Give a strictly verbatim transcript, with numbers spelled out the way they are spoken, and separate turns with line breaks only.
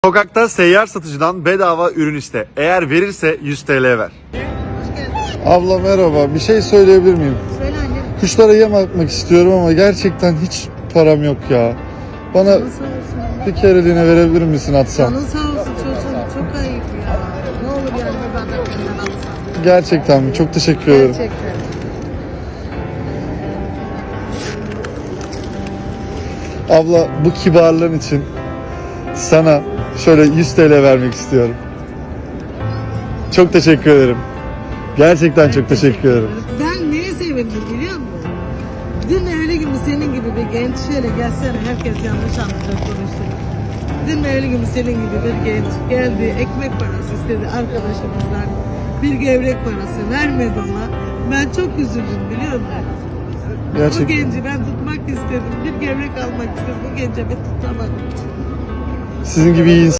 Sokakta seyyar satıcıdan bedava ürün iste. Eğer verirse yüz T L ver.
Abla merhaba, bir şey söyleyebilir miyim?
Söyle annem.
Kuşlara yem atmak istiyorum ama gerçekten hiç param yok ya. Bana
Canın sağ olsun.
bir kereliğine verebilir misin atsam?
Canın sağ olsun çocuğum. Çok ayıp ya. Ne olur yani benden benden alsan.
Gerçekten mi? Çok teşekkür ederim.
Gerçekten.
Abla bu kibarlığın için sana şöyle yüz T L vermek istiyorum. Çok teşekkür ederim. Gerçekten çok teşekkür ederim.
Ben neye sevindim biliyor musun? Dün öyle gibi senin gibi bir genç şöyle gelsene, herkes yanlış anlayacak konuştu. Dün öyle gibi senin gibi bir genç geldi, ekmek parası istedi arkadaşımızdan. Bir gevrek parası vermedi ona. Ben çok üzüldüm biliyor musun? Bu
Gerçekten.
genci ben tutmak istedim. Bir gevrek almak istedim. Bu gence ben tutamadım.
Sizin gibi iyi